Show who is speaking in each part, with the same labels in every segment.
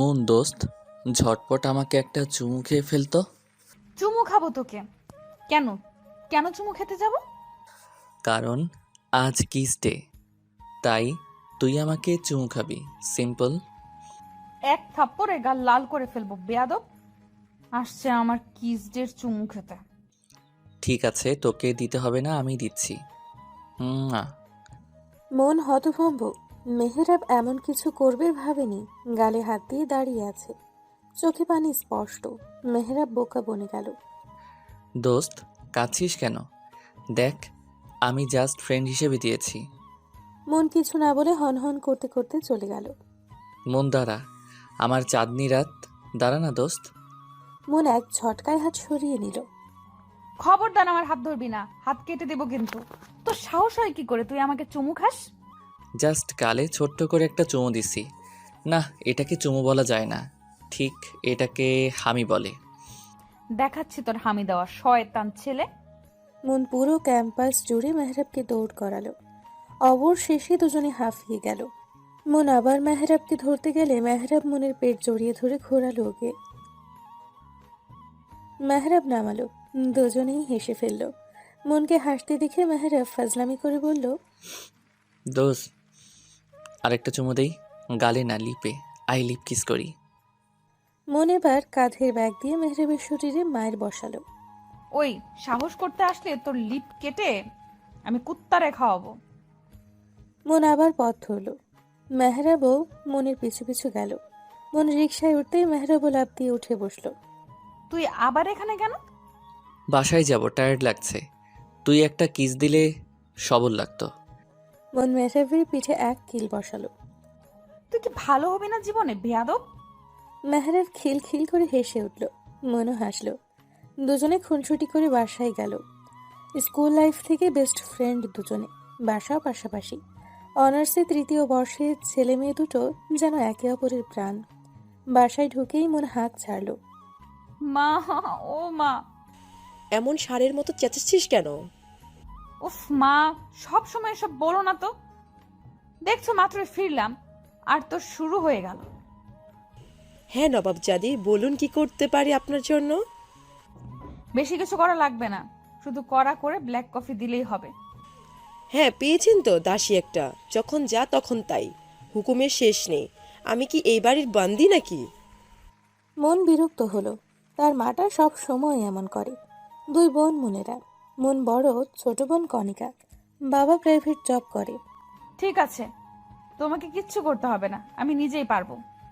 Speaker 1: মন দোস্ত, ঝটপট আমাকে একটা চুমু খেয়ে ফেলতো।
Speaker 2: চুমু খাবো তোকে? কেন? কেন চুমু খেতে যাব?
Speaker 1: কারণ আজ কিস ডে, তাই তুই আমাকে চুমু খাবি, সিম্পল।
Speaker 2: এক থাপ্পড়ে গাল লাল করে ফেলবো বেয়াদব। আসছে আমার কিসডের চুমু খেতে।
Speaker 1: ঠিক আছে, তোকে দিতে হবে না, আমি দিচ্ছি। না।
Speaker 3: মন হতভম্ব। মেহেরাব এমন কিছু করবে ভাবেনি। গালে হাত দিয়ে দাঁড়িয়ে আছে, চোখে পানি স্পষ্ট। মেহেরাব বোকা বনে গেল।
Speaker 1: দোস্ত, কাঁদছিস কেন? দেখ, আমি জাস্ট ফ্রেন্ড হিসেবে দিয়েছি।
Speaker 3: মন কিছু না বলে হনহন করতে করতে চলে গেল।
Speaker 1: মন দাঁড়া, আমার চাঁদনি রাত, দাঁড়া না দোস্ত।
Speaker 3: মন এক ঝটকায় হাত সরিয়ে নিল।
Speaker 2: খবরদার আমার হাত ধরবি না, হাত কেটে দেবো কিন্তু। তোর সাহস হয় কি করে তুই আমাকে চুমু খাস?
Speaker 1: জাস্ট গালে ছোট্ট করে একটা চুমু দিছি। না, এটাকে চুমু বলা যায় না, ঠিক এটাকে হামি বলে।
Speaker 2: দেখাচ্ছি তোর হামি দেওয়া শয়তান ছেলে।
Speaker 3: মন পুরো ক্যাম্পাস জুড়ে মেহরাবকে দৌড় করালো। অবশেষে দুজনে হাঁফিয়ে গেল। মন আবার মেহরাবকে ধরতে গেলে মেহরাব মনের পেট জড়িয়ে ধরে ঘোরালো ওকে। মেহরাব নামালো। দুজনেই হেসে ফেলল। মনকে হাসতে দেখে মেহরাব ফাজলামি করে বলল,
Speaker 1: দোস্ত, আরেকটা চুমু দেই, গালে না, লিপে। আই লিপ কিস করি।
Speaker 3: মন এবার কাঁধের ব্যাগ দিয়ে মেহরাবের শরীরে মায়ের বসালো।
Speaker 2: ওই, সাহস করতে আসলে তোর লিপ কেটে আমি কুত্তারে খাওয়াবো।
Speaker 3: মন আবার পথ ধরল। মেহরাবও মনের পিছু পিছু গেল। মন রিকশায় উঠতেই মেহরাবও লাফ দিয়ে উঠে বসলো।
Speaker 2: তুই আবার এখানে কেন?
Speaker 1: বাসায় যাব, টায়ার্ড লাগছে। তুই একটা কিস দিলে সবল লাগতো।
Speaker 3: মন মেহরাবের পিঠে এক কিল বসালো।
Speaker 2: তুই কি ভালো হবি না জীবনে বেয়াদব?
Speaker 3: মেহরাব খিল খিল করে হেসে উঠল। মনও হাসলো। দুজনে খুনসুটি করে বাসায় গেল। স্কুল লাইফ থেকে বেস্ট ফ্রেন্ড দুজনে, বাসাও পাশাপাশি। অনার্সে তৃতীয় বর্ষে ছেলে মেয়ে দুটো যেন একে অপরের প্রাণ। বাসায় ঢুকেই মন হাঁক ছাড়ল।
Speaker 2: মা, ও মা।
Speaker 4: এমন ষাঁড়ের মতো চেঁচাচ্ছিস কেন?
Speaker 2: উফ মা, সব সময় এসব বলো না তো। দেখছো মাত্রই ফিরলাম আর তো শুরু হয়ে গেল।
Speaker 4: হ্যাঁ নবাবজাদি, বলুন কি করতে পারি আপনার জন্য?
Speaker 2: বেশি কিছু করা লাগবে না, শুধু কড়া করে ব্ল্যাক কফি দিলেই হবে।
Speaker 4: হ্যাঁ, পেয়েছেন তো দাসী একটা, যখন যা তখন তাই, হুকুমের শেষ নেই। আমি কি এই বাড়ির বান্দি নাকি?
Speaker 3: মন বিরক্ত হলো। তার মাটা সব সময় এমন করে। দুই বোন মনেরা। মন বড়, ছোট বোন কণিকা। বাবা প্রাইভেট জব করে।
Speaker 2: ঠিক আছে, তোমাকে কিচ্ছু করতে হবে না, আমি নিজেই পারবো।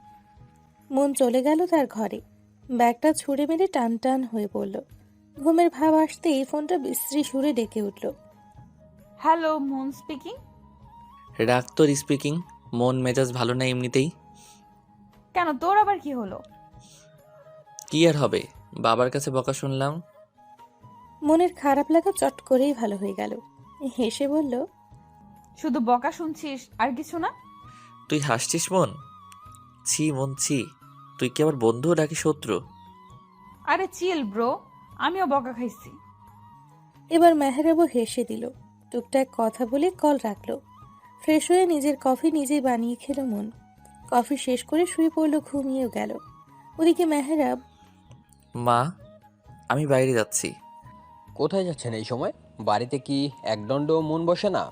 Speaker 3: মন চলে গেল তার ঘরে। ব্যাগটা ছুঁড়ে মেরে টান টান হয়ে পড়ল। ঘুমের ভাব আসতেই ফোনটা বিশ্রী সুরে ডেকে উঠল।
Speaker 2: Hello, moon speaking.
Speaker 1: রাগ তোর স্পিকিং, মন মেজাজ ভালো না এমনিতেই।
Speaker 2: কেন, তোর আবার কি হলো?
Speaker 1: কি আর হবে, বাবার কাছে বকা শুনলাম।
Speaker 3: মনের খারাপ লাগা চট করেই ভালো হয়ে গেল। হেসে বলল,
Speaker 2: শুধু বকা শুনছিস আর কিছু না?
Speaker 1: তুই হাসছিস মন? ছি মন ছি, তুই কি আবার বন্ধু নাকি শত্রু?
Speaker 2: আরে চিল ব্রো, আমিও বকা খাইছি।
Speaker 3: এবার মেহরাবও হেসে দিল। টুকটাক কথা বলে কল রাখলো। ফ্রেশ হয়ে নিজের কফি নিজেই বানিয়ে খেলো মন। কফি শেষ করে শুয়ে পড়লো, ঘুমিয়েও গেল। ওদিকে মেহরাব,
Speaker 1: মা, আমি বাইরে যাচ্ছি।
Speaker 5: কোথায় যাচ্ছেন এই সময়? বাড়িতে কি একদণ্ড মন বসে না?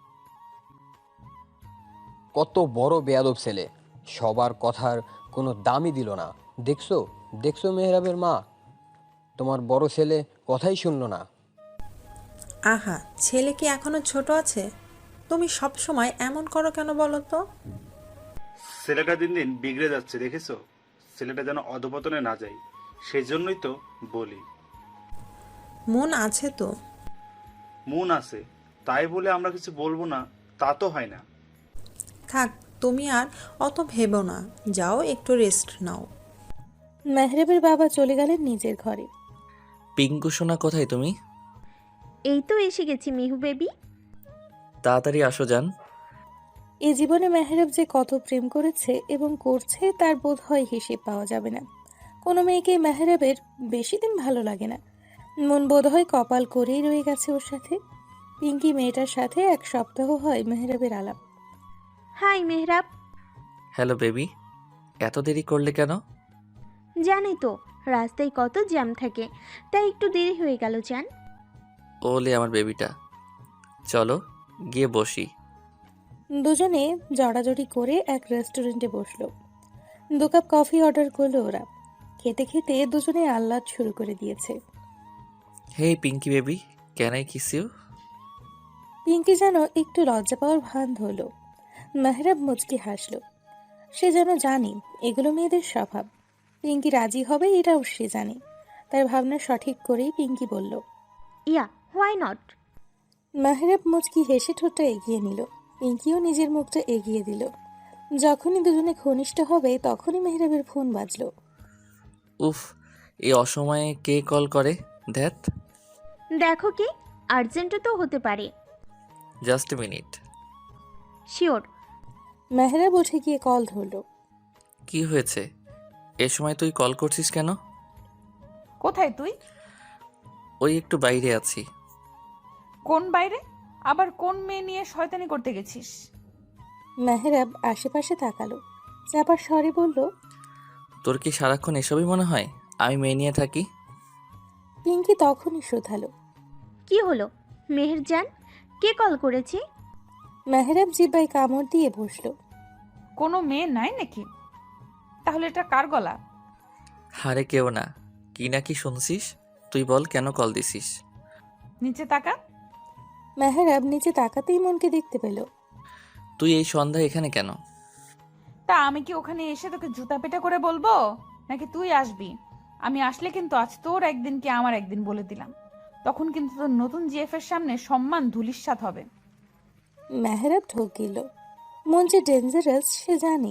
Speaker 5: কত বড় বেয়াদব ছেলে, সবার কথার কোনো দামই দিল না। দেখছো, দেখছো মেহরাবের মা, তোমার বড় ছেলে কথাই শুনলো না।
Speaker 6: আহা, ছেলে কি এখনো ছোট আছে? তুমি সব সময় এমন করো কেন বলো তো?
Speaker 7: ছেলেটা দিন দিন বিগড়ে যাচ্ছে, দেখেছো? ছেলেটা যেন অধপতনে না যায়, সেই জন্যই তো বলি।
Speaker 6: মন আছে তো।
Speaker 7: মন আছে তাই বলে আমরা কিছু বলবো না, তা তো হয় না।
Speaker 6: থাক, তুমি আর অত ভেবো না, যাও একটু রেস্ট নাও।
Speaker 3: মেহরাবের বাবা চলে গেলেন নিজের ঘরে।
Speaker 1: পিঙ্কু সোনা, কোথায় তুমি?
Speaker 8: এই তো এসে গেছি মিহু বেবি।
Speaker 1: তাড়াতাড়ি আসো যান।
Speaker 3: এ জীবনে মেহরাব যে কত প্রেম করেছে এবং করছে তার বোধ হয় হিসেব পাওয়া যাবে না। কোনো মেয়েকে মেহরাবের বেশি দিন ভালো লাগে না। মন বোধ হয় কপাল করেই রয়ে গেছে ওর সাথে। পিঙ্কি মেয়েটার সাথে এক সপ্তাহ হয় মেহরাবের আলাপ।
Speaker 8: হাই মেহরাব।
Speaker 1: হ্যালো বেবি, এত দেরি করলে কেন?
Speaker 8: জানি তো রাস্তায় কত জ্যাম থাকে, তাই একটু দেরি হয়ে গেল জান।
Speaker 1: ওলে আমার বেবিটা, চলো গিয়ে বসি।
Speaker 3: দুজনে জড়াজড়ি করে এক রেস্টুরেন্টে বসলো। 2 কাপ কফি অর্ডার করলো ওরা। খেতে খেতে দুজনে আহ্লাদ শুরু করে দিয়েছে।
Speaker 1: Hey Pinky baby, can I kiss you?
Speaker 3: Pinky যেন একটু লজ্জা পাওয়ার ভান ধরলো। মেহরাব মুচকি হাসলো। সে যেন জানে এগুলো মেয়েদের স্বভাব। পিঙ্কি রাজি হবে এটাও সে জানে। তার ভাবনা সঠিক করেই পিঙ্কি বলল।
Speaker 8: ইয়া, হোয়াই নট।
Speaker 3: মেহরাব মুচকি হেসে ঠোঁটটা এগিয়ে নিল। পিঙ্কিও নিজের মুখটা এগিয়ে দিল। যখনই দুজনে ঘনিষ্ঠ হবে তখনই মেহরাবের ফোন বাজলো।
Speaker 1: উফ, এই অসময়ে কে কল করে? ধ্যাত।
Speaker 8: দেখো কি, আর্জেন্টও তো হতে পারে।
Speaker 1: Just a minute.
Speaker 8: Sure.
Speaker 3: Mehrab উঠে গিয়ে কল ধরলো।
Speaker 1: কি হয়েছে? এ সময় তুই কল করছিস কেন?
Speaker 2: কোথায় তুই?
Speaker 1: ওই একটু বাইরে আছি।
Speaker 2: কোন বাইরে? আবার কোন মেয়ে নিয়ে শয়তানি করতে গেছিস?
Speaker 3: মেহরাব আশেপাশে তাকালো। চাপার স্বরে বলল।
Speaker 1: তোর কি সারাক্ষণ এসবই মনে হয় আমি মেয়ে নিয়ে থাকি?
Speaker 3: পিঙ্কি তখনই শোধালো।
Speaker 8: কি হলো মেহেরজান, কে কল করেছে?
Speaker 3: মেহরাব জিব্বায় কামড় দিয়ে বসলো।
Speaker 2: কোনো মেয়ে নাই নাকি? তাহলে এটা কার গলা?
Speaker 1: হারে কেউ না। কি না কি শুনছিস? তুই বল কেন কল দিছিস?
Speaker 2: নিচে তাকা।
Speaker 3: মেহরাব নিচে তাকাতেই মনকে দেখতে পেল।
Speaker 1: তুই এই সন্ধ্যায় এখানে কেন?
Speaker 2: তা আমি কি ওখানে এসে তোকে জুতা পেটা করে বলবো, নাকি তুই আসবি? আমি আসলে কিন্তু আজ তোর একদিন কি আমার একদিন বলে দিলাম। তখন কিন্তু তোর নতুন জিএফ এর সামনে সম্মান ধুলিস্যাৎ হবে।
Speaker 3: মেহরাব ঢোক গেল। মন যে ডেঞ্জারাস সে জানে।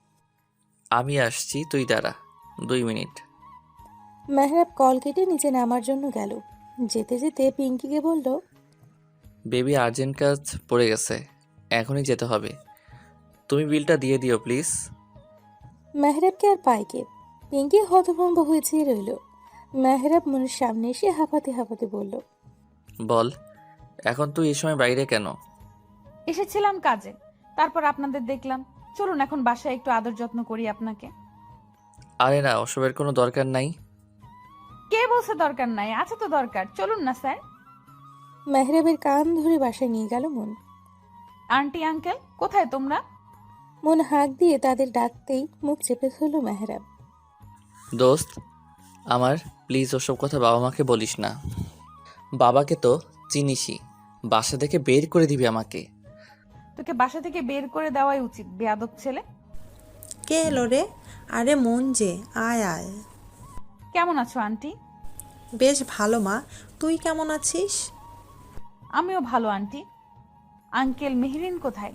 Speaker 1: আমি আসছি, তুই দাঁড়া 2 মিনিট।
Speaker 3: মেহরাব কল কেটে নিচে নামার জন্য গেল। যেতে যেতে পিঙ্কিকে বলল।
Speaker 1: বেবি আর্জেন্ট কাজ পড়ে গেছে, এখনই যেতে হবে। তুমি বিলটা দিয়ে দিও প্লিজ।
Speaker 3: মেহরাবকে আর পায় কে? পিঙ্কি হতভম্ব হয়ে চেয়ে রইল। মেহরাব মনের সামনে এসে হাঁপাতে হাঁপাতে বলল।
Speaker 1: বল, এখন তুই এই সময় বাইরে কেন?
Speaker 2: এসেছিলাম কাজে, তারপর আপনাদের দেখলাম। চলুন এখন বাসায় একটু আদর যত্ন করি আপনাকে।
Speaker 1: আরে না, ওসবের কোনো দরকার নাই।
Speaker 2: কে বলছে দরকার নাই? আছে তো দরকার, চলুন না স্যার।
Speaker 3: মেহরাবের কান ধরে বাসায় নিয়ে গেল মন।
Speaker 2: আন্টি আঙ্কেল কোথায় তোমরা?
Speaker 3: মন হাঁক দিয়ে তাদের ডাকতেই মুখ চেপে ধরল মেহরাব।
Speaker 1: দোস্ত আমার, প্লিজ ওসব কথা বাবা মাকে বলিস না। বাবাকে তো চিনিসই, বাসা থেকে বের করে দিবি আমাকে।
Speaker 2: তোকে বাসা থেকে বের করে দেওয়াই উচিত, বেয়াদব ছেলে।
Speaker 6: কে এলো রে? আরে মন যে, আয় আয়।
Speaker 2: কেমন আছো আন্টি?
Speaker 6: বেশ ভালো মা, তুই কেমন আছিস?
Speaker 2: আমিও ভালো আন্টি। আঙ্কেল মেহরিন কোথায়?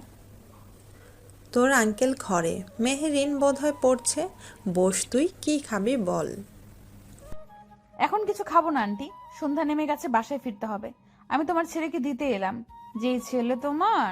Speaker 6: তোর আঙ্কেল ঘরে, মেহেরিন বোধহয় পড়ছে। বস, তুই কি খাবি বল।
Speaker 2: এখন কিছু খাবো না আন্টি, সন্ধ্যা নেমে গেছে, বাসায় ফিরতে হবে। আমি তোমার ছেলেকে দিতে এলাম। যে ছেলে তোমার।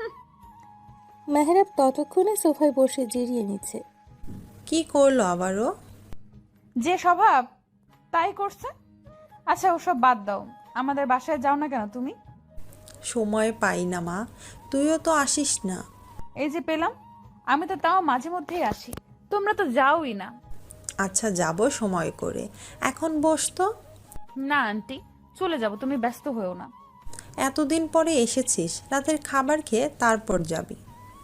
Speaker 3: মেহরাব ততক্ষণে সোফায় বসে জিরিয়ে নিচ্ছে।
Speaker 6: কি করলো আবারও?
Speaker 2: যে স্বভাব তাই করছে। আচ্ছা ওসব বাদ দাও, আমাদের বাসায় যাও না কেন তুমি?
Speaker 6: সময় পাই না মা, তুইও তো আসিস না।
Speaker 2: এই যে পেলাম, আমি তো তাও মাঝে মধ্যেই আসি, তোমরা তো যাওই না।
Speaker 6: আচ্ছা যাব সময় করে, এখন বস তো।
Speaker 2: না আন্টি, চলে যাব, তুমি ব্যস্ত হয়েও না।
Speaker 6: এতদিন পরে এসেছিস, রাতের খাবার খেয়ে তারপর যাবি।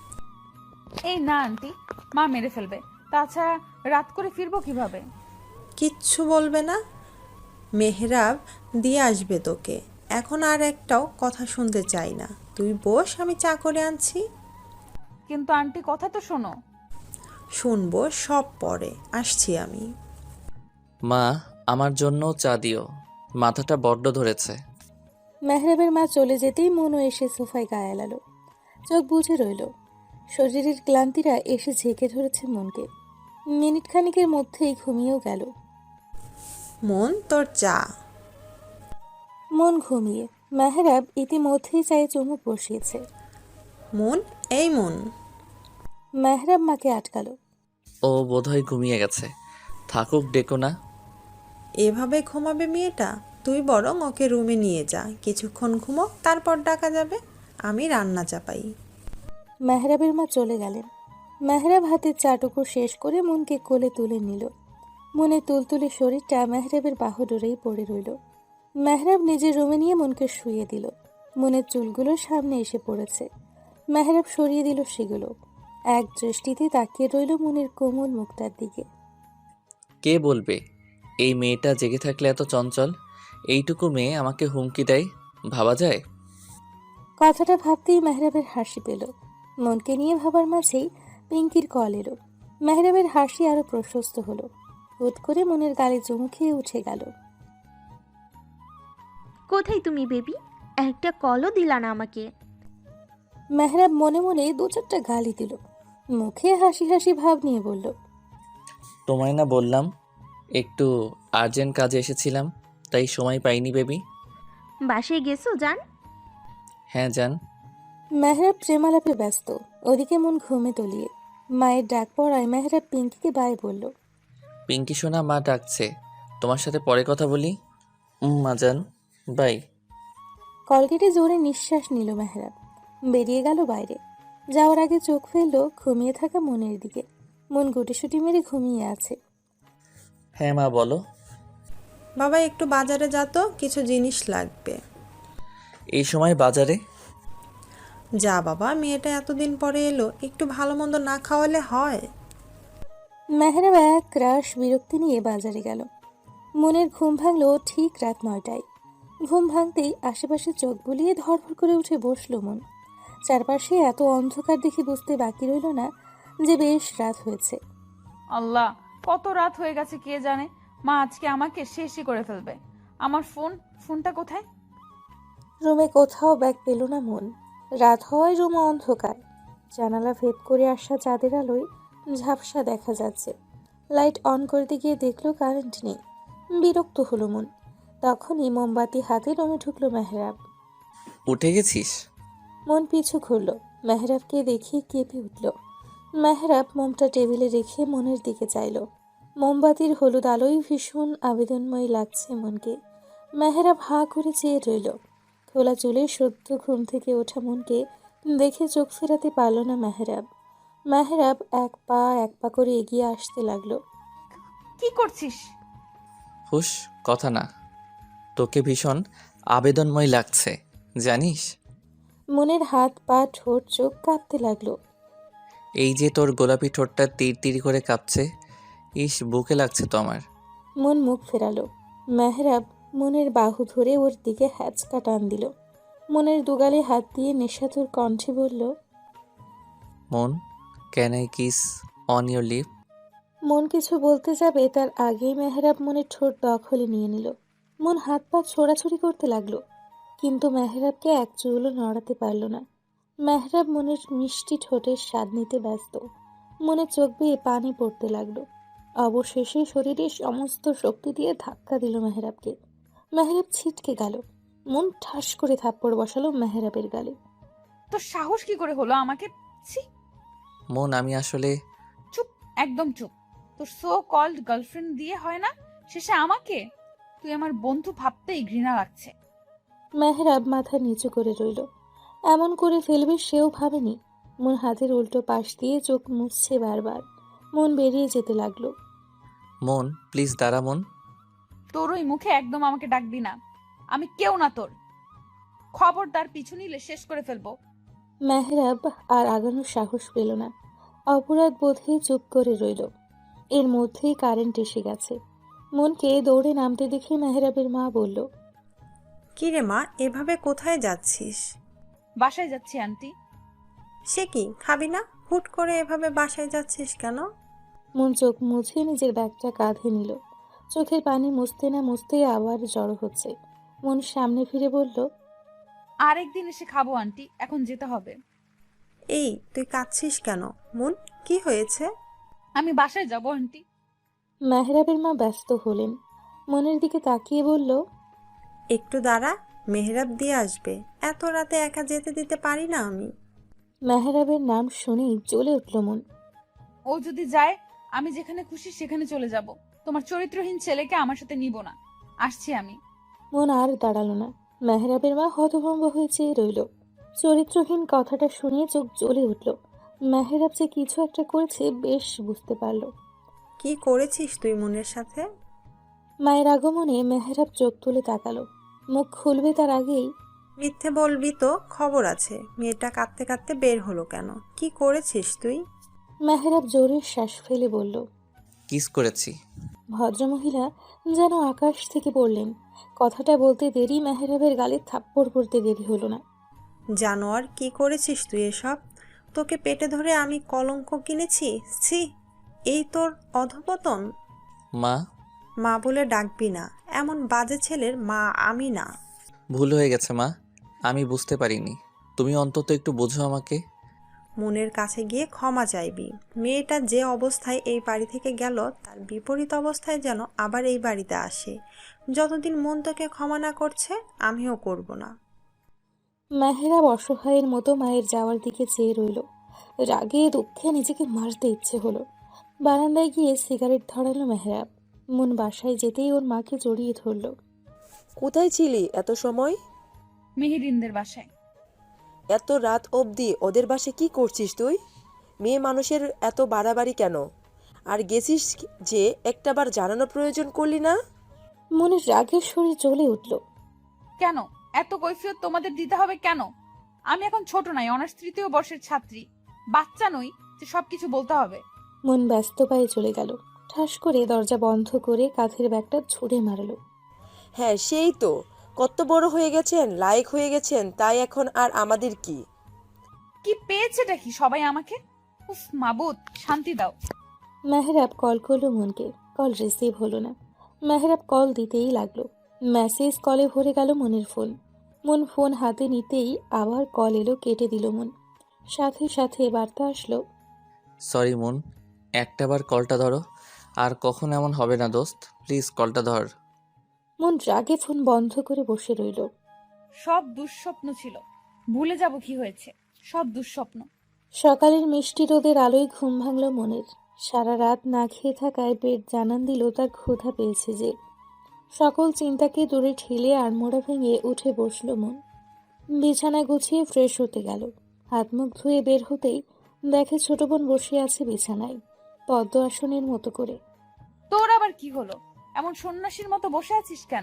Speaker 2: এই না আন্টি, মা মেরে ফেলবে। তাছাড়া রাত করে ফিরবো কিভাবে?
Speaker 6: কিচ্ছু বলবে না? মেহরাব দিয়ে আসবে তোকে। এখন আর একটাও কথা শুনতে চাই না, তুই বস, আমি চা করে আনছি।
Speaker 2: কিন্তু আন্টি কথা তো শোনো।
Speaker 6: শুনবো সব পরে, আসছি আমি।
Speaker 1: মা, আমার জন্য চা দিও, মাথাটা বড্ড ধরেছে।
Speaker 3: মেহরাবের মা চলে যেতেই মনও এসে সোফায় গায়ে এলালো। চোখ বুজে রইল। শরীরের ক্লান্তিরা এসে ঝেঁকে ধরেছে মনকে। মিনিট খানিকের মধ্যেই ঘুমিয়েও গেল।
Speaker 6: মন, তোর চা।
Speaker 3: মন ঘুমিয়ে। মেহরাব ইতিমধ্যেই চায়ে চুমুক বসিয়েছে।
Speaker 6: মন, এই মন।
Speaker 3: মেহরাব মাকে আটকালো।
Speaker 1: ও বোধহয় ঘুমিয়ে গেছে, থাকুক, ডেকো না।
Speaker 6: এভাবে ঘুমাবে মেয়েটা? তুই বরং ওকে রুমে নিয়ে যা, কিছুক্ষণ ঘুমো, তারপর ডাকা যাবে। আমি রান্না চাপাই।
Speaker 3: মেহরাবের মা চলে গেলেন। মেহরাব হাতের চাটুকো শেষ করে মনকে কোলে তুলে নিল। মনের তুলতুলে শরীরটা মেহরাবের বাহুডোরেই পড়ে রইল। মেহরাব নিজের রুমে নিয়ে মনকে শুইয়ে দিল। মনের চুলগুলো সামনে এসে পড়েছে। মেহরাব সরিয়ে দিল সেগুলো। এক দৃষ্টিতে তাকিয়ে রইল মনের কোমল মুখটার দিকে।
Speaker 1: কে বলবে এই মেয়েটা জেগে থাকলে এত চঞ্চল? এইটুকু মেয়ে আমাকে হুমকি দেয়, ভাবা যায়?
Speaker 3: কথাটা ভাবতেই মেহরাবের হাসি পেল। মনকে নিয়ে ভাবার মাঝেই পিঙ্কির কল এলো। মেহরাবের হাসি আরো প্রশস্ত হলো। হুট করে মনের গালে চুমু খেয়ে উঠে গেল।
Speaker 8: কোথায় তুমি বেবি? একটা কলও দিলা না আমাকে।
Speaker 3: মেহরাব মনে মনে দু চারটা গালি দিল। মুখে হাসি হাসি ভাব নিয়ে বলল,
Speaker 1: তোমায় না বললাম একটু আর্জেন্ট কাজে এসেছিলাম, তাই সময় পাইনি বেবি।
Speaker 8: বাসায় গেছো জান?
Speaker 1: হ্যাঁ জান।
Speaker 3: মেহরাব প্রেমালাপে ব্যস্ত। ওদিকে মন ঘুমে তলিয়ে। মায়ের ডাক পড়ায় মেহরাব পিঙ্কিকে বাই বলল।
Speaker 1: পিঙ্কি সোনা, মা ডাকছে, তোমার সাথে পরে কথা বলি। মা জান, বাই।
Speaker 3: কলগেটে জোরে নিঃশ্বাস নিল মেহরাব। বেরিয়ে গেল বাইরে। যাওয়ার আগে চোখ ফেলল ঘুমিয়ে থাকা মনের দিকে। মন গুটিসুটি মেরে ঘুমিয়ে আছে।
Speaker 1: হ্যাঁ মা বলো।
Speaker 6: বাবা একটু বাজারে যা তো, কিছু জিনিস লাগবে।
Speaker 1: এই সময় বাজারে?
Speaker 6: যা বাবা, মেয়েটা এতদিন পরে এলো, একটু ভালো মন্দ না খাওয়ালে হয়?
Speaker 3: মেহরাব এক রাশ বিরক্তি নিয়ে বাজারে গেল। মনের ঘুম ভাঙল ঠিক রাত 9টায়। ঘুম ভাঙতেই আশেপাশে চোখ বুলিয়ে ধড়ফড় করে উঠে বসল মন। চারপাশে এত অন্ধকার দেখে বুঝতে বাকি রইল না যে বেশ রাত হয়েছে।
Speaker 2: আল্লাহ, কত রাত হয়ে গেছে কে জানে। মা আজকে আমাকে শেষই করে ফেলবে। আমার ফোনটা কোথায়?
Speaker 3: রুমে কোথাও ব্যাগ পেল না মন। রাত হওয়ায় রুমে অন্ধকার। জানালা ভেদ করে আসা চাঁদের আলোয় ঝাপসা দেখা যাচ্ছে। লাইট অন করতে গিয়ে দেখলো কারেন্ট নেই। বিরক্ত হলো মন। তখনই মোমবাতি হাতে রুমে ঢুকলো মেহরাব।
Speaker 1: উঠে গেছিস?
Speaker 3: মন পিছু ঘুরল। মেহরাবকে দেখে কেঁপে উঠল। মেহরাব মোমটা টেবিলে রেখে মনের দিকে চাইল। মোমবাতির হলুদ আলোয় ভীষণ আবেদনময় লাগছে মনকে। মেহরাব হাঁ করে চেয়ে রইল। খোলা চুলে সদ্য ঘুম থেকে ওঠা মনকে দেখে চোখ ফেরাতে পারল না মেহরাব। মেহরাব এক পা করে এগিয়ে আসতে লাগলো।
Speaker 2: কি করছিস?
Speaker 1: হুশ, কথা না। তোকে ভীষণ আবেদনময় লাগছে, জানিস?
Speaker 3: মনের হাত পা ঠোঁট চোখ কাঁপতে লাগলো।
Speaker 1: এই যে তোর গোলাপি ঠোঁটটা তীর তীর করে কাঁপছে, ইস বুকে লাগছে তো আমার।
Speaker 3: মন মুখ ফেরালো। মেহরাব মনের বাহু ধরে ওর দিকে হ্যাচকা টান দিল। মনের দুগালে হাত দিয়ে নেশাতুর কণ্ঠে বলল,
Speaker 1: Mon, can I kiss on your lip?
Speaker 3: Mon কিছু বলতে যাবে তার আগেই মেহরাব মনের ঠোঁট দখলে নিয়ে নিল। মন হাত পা ছোড়াছুড়ি করতে লাগলো, কিন্তু মেহরাবকে এক চুলও নড়াতে পারল না। মেহরাব মনের মিষ্টি ঠোঁটের স্বাদ নিতে ব্যস্ত। মনে চোখ বেয়ে পানি পড়তে লাগলো। অবশেষে শরীরের সমস্ত শক্তি দিয়ে ধাক্কা দিল মেহরাবকে। মেহরাব ছিটকে গেল। মন ঠাস করে থাপ্পড় বসালো মেহরাবের গালে।
Speaker 2: তোর সাহস কি করে হলো আমাকে? ছি!
Speaker 1: মন, আমি আসলে
Speaker 2: চুপ, একদম চুপ। তোর সো কল্ড গার্লফ্রেন্ড দিয়ে হয় না, শেষে আমাকে? তুই আমার বন্ধু ভাবতেই ঘৃণা লাগছে।
Speaker 3: মেহরাব মাথা নিচু করে রইল। এমন করে ফেলবে সেও ভাবেনি। মন হাতের উল্টো পাশ দিয়ে চোখ মুছছে বারবার। মন বেরিয়ে যেতে লাগলো।
Speaker 1: মন প্লিজ দাঁড়া মন।
Speaker 2: তোর ওই মুখে একদম আমাকে ডাকবি না। আমি কেউ না তোর। খবরদার পিছু নিলে শেষ করে ফেলবো।
Speaker 3: মেহরাব আর আগানোর সাহস পেল না। অপরাধ বোধে চুপ করে রইল। এর মধ্যেই কারেন্ট এসে গেছে। মনকে দৌড়ে নামতে দেখে মেহরাবের মা বলল,
Speaker 6: কি রে মা, এভাবে কোথায় যাচ্ছিস?
Speaker 2: বাসায় যাচ্ছি আন্টি।
Speaker 6: সে কি, খাবি না? হুট করে এভাবে বাসায় যাচ্ছিস কেন?
Speaker 3: মন চোখ মুছে নিজের ব্যাগটা কাঁধে নিল। চোখের পানি মুছতে না মুছতেই আবার জড়ো হচ্ছে। মন সামনে ফিরে বলল,
Speaker 2: আরেকদিন এসে খাবো আন্টি, এখন যেতে হবে।
Speaker 6: এই তুই কাঁদছিস কেন? মন, কি হয়েছে?
Speaker 2: আমি বাসায় যাবো আন্টি।
Speaker 3: মেহরাবের মা ব্যস্ত হলেন। মনের দিকে তাকিয়ে বলল,
Speaker 6: একটু দাঁড়া, মেহরাব দিয়ে আসবে। এত রাতে একা যেতে দিতে পারি না আমি।
Speaker 3: মেহরাবের নাম শুনেই জ্বলে উঠল মন।
Speaker 2: ও যদি যায়, আমি যেখানে খুশি সেখানে চলে যাব। তোমার চরিত্রহীন ছেলেকে আমার সাথে নিব না। আসছি আমি।
Speaker 3: মন আর দাঁড়ালো না। মেহরাবের মা হতভম্ব হয়ে চেয়ে রইল। চরিত্রহীন কথাটা শুনে চোখ জ্বলে উঠল। মেহেরাব যে কিছু একটা করেছে বেশ বুঝতে পারল।
Speaker 6: কি করেছিস তুই মনের সাথে?
Speaker 3: মায়ের আগমনে মেহেরাব চোখ তুলে তাকালো। মুখ খুলবে তার আগেই
Speaker 6: মিথ্যে বলবি তো, খবর আছে। মেয়েটা কাঁদতে কাঁদতে বের হলো কেন? কি করেছিস তুই?
Speaker 3: মেহেরাব জোরে শ্বাস ফেলে বলল।
Speaker 1: কিস করেছি।
Speaker 3: ভদ্রমহিলা যেন আকাশ থেকে পড়লেন। কথাটা বলতে দেরি মেহেরাবের গালে থাপ্পড় পড়তে দেরি হলো না।
Speaker 6: জানোয়ার, কি করেছিস তুই এসব? তোকে পেটে ধরে আমি কলঙ্ক কিনেছি। ছি, এই তোর অধপতন।
Speaker 1: মা,
Speaker 6: মা বলে ডাকবি না, এমন বাজে ছেলের মা আমি না।
Speaker 1: ভুল হয়ে গেছে মা, আমি বুঝতে পারিনি। তুমি অন্তত একটু বোঝো আমাকে।
Speaker 6: মনের কাছে গিয়ে ক্ষমা চাইবি। মেয়েটা যে অবস্থায় এই বাড়ি থেকে গেল, তার বিপরীত অবস্থায় যেন আবার এই বাড়িতে আসে। যতদিন মন তোকে ক্ষমা না করছে, আমিও করব না।
Speaker 3: মেহেরাব অসহায়ের মতো মায়ের যাওয়ার দিকে চেয়ে রইল। রাগে দুঃখে নিজেকে মারতে ইচ্ছে হলো। বারান্দায় গিয়ে সিগারেট ধরালো মেহেরাব। মন বাসায় যেতেই ওর মাকে জড়িয়ে ধরল।
Speaker 4: কোথায় ছিলি এত সময়?
Speaker 2: মেহেরিনদের বাসায়।
Speaker 4: এত রাত অবধি ওদের বাসে কি করছিস তুই? মেয়ে মানুষের এত বাড়াবাড়ি কেন? আর গেছিস যে একটাবার জানানোর প্রয়োজন করলি না?
Speaker 3: মনের রাগের শরীর জ্বলে উঠল।
Speaker 2: কেন এত কৈফিয়ত তোমাদের দিতে হবে কেন? আমি এখন ছোট নাই, অনার্স 3য় বর্ষের ছাত্রী। বাচ্চা নই যে সবকিছু বলতে হবে।
Speaker 3: মন ব্যস্ত পায়ে চলে গেল। ঠাস করে দরজা বন্ধ করে কাঁধের ব্যাগটা ছুঁড়ে মারল।
Speaker 4: হ্যাঁ, সেই তো। কত বড় হয়ে গেছেন, লায়ক হয়ে গেছেন, তাই এখন আর আমাদের কি?
Speaker 2: কি পেয়েছেটা কি সবাই আমাকে? উফ মাবুদ, শান্তি দাও।
Speaker 3: মেহেরাব কল করলো মনকে। কল রিসিভ হলো না। মেহেরাব কল দিতেই লাগলো। মেসেজ কলে ভরে গেল মনের ফোন। মন ফোন হাতে নিতেই আবার কল এলো, কেটে দিল মন। সাথে সাথে বার্তা আসলো।
Speaker 1: সরি মুন, একটাবার কলটা ধরো। আর কখন এমন হবে না দোস্ত, প্লিজ কলটা ধর।
Speaker 3: মন রাগে ফোন বন্ধ করে বসে রইল।
Speaker 2: সব দুঃস্বপ্ন ছিল, ভুলে যাব কি হয়েছে। সব দুঃস্বপ্ন।
Speaker 3: সকালের মিষ্টি রোদের আলোয় ঘুম ভাঙল মনের। সারা রাত না খেয়ে থাকায় পেট জানান দিল তার ক্ষুধা পেয়েছে যে। সকল চিন্তাকে দূরে ঠেলে আড়মোড়া ভেঙে উঠে বসলো মন। বিছানা গুছিয়ে ফ্রেশ হতে গেল। হাত মুখ ধুয়ে বের হতেই দেখে ছোট বোন বসে আছে বিছানায়, পদ্ম আসনের মতো করে।
Speaker 2: তোর আবার কি হলো? এমন সন্ন্যাসীর মতো বসে আছিস কেন?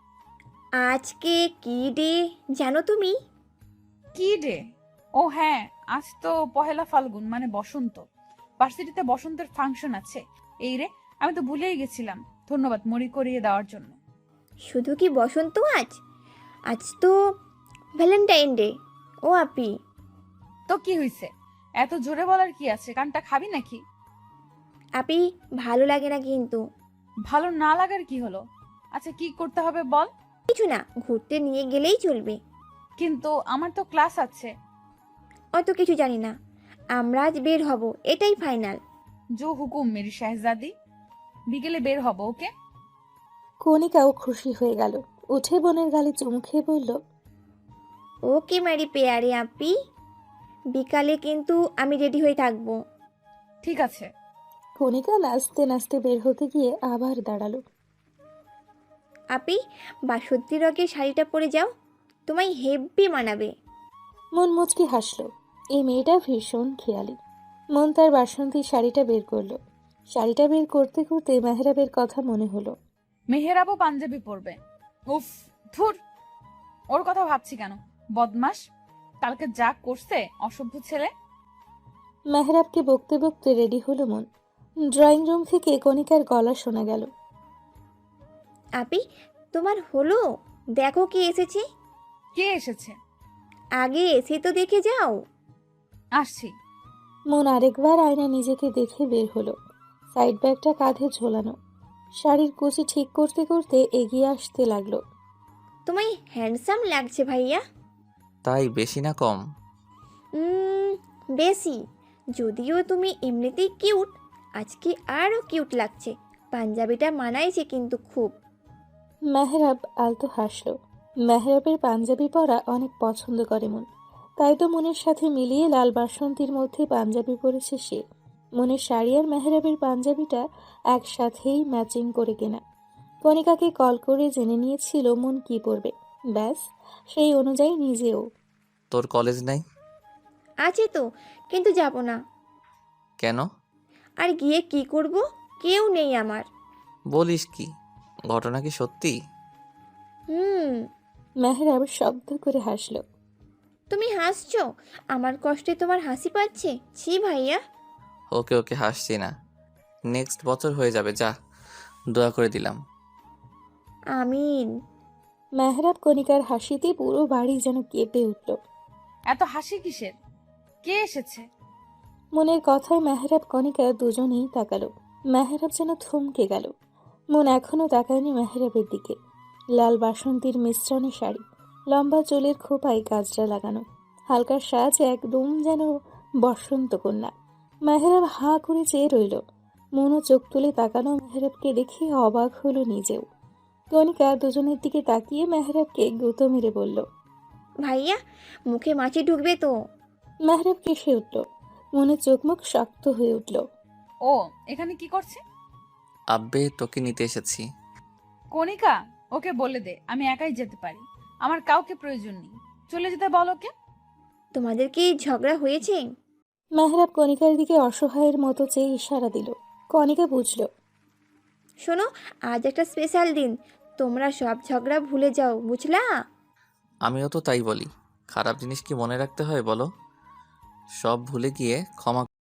Speaker 8: আজকে কি ডে জানো তুমি?
Speaker 2: কি ডে? ও হ্যাঁ, আজ তো পহেলা ফাল্গুন, মানে বসন্ত। ভার্সিটিতে বসন্তের ফাংশন আছে। এই রে, আমি তো ভুলেই গেছিলাম। ধন্যবাদ মনে করিয়ে দেওয়ার জন্য।
Speaker 8: শুধু কি বসন্ত আজ? আজ তো ভ্যালেন্টাইন ডে। ও আপি,
Speaker 2: তো কি হইছে? এত জোরে বলার কি আছে? কানটা খাবি নাকি?
Speaker 8: আপি ভালো লাগে না কিন্তু।
Speaker 2: ভালো না লাগার কি হলো? আচ্ছা কি করতে হবে বল।
Speaker 8: কিছু না, ঘুরতে নিয়ে গেলেই চলবে।
Speaker 2: কিন্তু আমার তো ক্লাস আছে।
Speaker 8: অত কিছু জানি না, আমরা আজ বের হব, এটাই ফাইনাল।
Speaker 2: জো হুকুম মেরি শাহজাদি। বিকেলে বের হব, ওকে?
Speaker 3: কণিকাও খুশি হয়ে গেল। উঠে বোনের গালে চুমু খেয়ে বলল,
Speaker 8: ওকে মেরি পেয়ারে আপি, বিকালে কিন্তু আমি রেডি হয়ে থাকবো।
Speaker 2: ঠিক আছে।
Speaker 3: কণিকা নাচতে নাচতে বের হতে গিয়ে আবার দাঁড়ালো।
Speaker 8: আপি, বাসন্তী রঙের শাড়িটা পরে যাও, তোমায় হেব্বি মানাবে।
Speaker 3: মন মুচকি হাসলো। এই মেয়েটা ভীষণ খেয়ালি। মন তার বাসন্তী শাড়িটা বের করলো। শাড়িটা বের করতে করতে মেহরাবের কথা মনে হলো।
Speaker 2: মেহেরাবও পাঞ্জাবি পরবে। উফ, ধুর, ওর কথা ভাবছি কেন? বদমাস, কালকে যা করছে, অসভ্য ছেলে।
Speaker 3: মেহরাবকে বকতে বকতে রেডি হলো মন। ড্রয়িং রুম থেকে কণিকার গলা শোনা গেল।
Speaker 8: আপি, তোমার হলো? দেখো কে এসেছে।
Speaker 2: কে এসেছে?
Speaker 8: আগে এসে তো দেখে যাও।
Speaker 2: আসছি।
Speaker 3: মন আরেকবার আয়না নিজেকে দেখে বের হলো। সাইড ব্যাগটা কাঁধে ঝোলানো। শাড়ির কুচি ঠিক করতে করতে এগিয়ে আসতে লাগলো।
Speaker 8: তোমায় হ্যান্ডসাম লাগছে ভাইয়া।
Speaker 1: তাই বেশি না কম?
Speaker 8: বেশি। যদিও তুমি এমনিতেই কিউট, আজকে আরও কিউট লাগছে। পাঞ্জাবিটা মানাইছে কিন্তু খুব।
Speaker 3: মেহরাব আলতো হাসলো। মেহরাবের পাঞ্জাবি পরা অনেক পছন্দ করে মন। তাই তো মনের সাথে মিলিয়ে লাল বাসন্তীর মধ্যে পাঞ্জাবি পরেছে সে। মনের শাড়ি আর মেহরাবের পাঞ্জাবিটা একসাথেই ম্যাচিং করে কেনা। কণিকাকে কল করে জেনে নিয়েছিল মন কি পরবে। ব্যাস সেই অনুযায়ী নিজেও।
Speaker 1: তোর কলেজ নাই?
Speaker 8: আছে তো, কিন্তু যাব না।
Speaker 1: কেন?
Speaker 8: আর গিয়ে কি করব? কেউ নেই আমার।
Speaker 1: বলিস কি? ঘটনা কি সত্যি?
Speaker 8: হুম।
Speaker 3: মেহরাব শব্দ করে হাসলো।
Speaker 8: তুমি হাসছো? আমার কষ্টে তোমার হাসি পাচ্ছে? ছি ভাইয়া।
Speaker 1: ওকে ওকে, হাসছি না। নেক্সট বছর হয়ে যাবে, যা। দোয়া করে দিলাম।
Speaker 8: আমিন।
Speaker 3: মেহরাব কণিকার হাসিতে পুরো বাড়ি যেন কেঁপে উঠল।
Speaker 2: এত হাসি কিসের? কে এসেছে?
Speaker 3: মনের কথায় মেহরাব কণিকা দুজনেই তাকালো। মেহরাব যেন থমকে গেল। মন এখনো তাকায়নি মেহরাবের দিকে। লাল বাসন্তীর মিশ্রণে শাড়ি, লম্বা চুলের খোপায় গাজরা লাগানো, হালকা সাজ একদম যেন বসন্ত কন্যা। মেহরাব হাঁ করে চেয়ে রইল। মনও চোখ তুলে তাকানো মেহরাবকে দেখে অবাক হলো নিজেও। কণিকা দুজনের দিকে তাকিয়ে মেহরাবকে গুঁতো মেরে বলল।
Speaker 8: ভাইয়া, মুখে মাছি ঢুকবে তো।
Speaker 3: মেহরাব কেসে উঠল। মনে চোখ মুখ শক্ত হয়ে উঠল।
Speaker 2: ও এখানে কি করছে?
Speaker 1: আব্বে, তোকে নিতে এসেছি।
Speaker 2: কণিকা, ওকে বলে দে আমি একাই যেতে পারি। আমার কাউকে প্রয়োজন নেই। চলে যেতে বল ওকে।
Speaker 8: তোমাদের কি ঝগড়া হয়েছে?
Speaker 3: মেহরাব কণিকার দিকে অসহায়ের মতো চেয়ে ইশারা দিল। কণিকা বুঝল।
Speaker 8: শোনো, আজ একটা স্পেশাল দিন। তোমরা সব ঝগড়া ভুলে যাও, বুঝলা?
Speaker 1: আমিও তো তাই বলি। খারাপ জিনিস কি মনে রাখতে হয় বলো? সব ভুলে গিয়ে ক্ষমা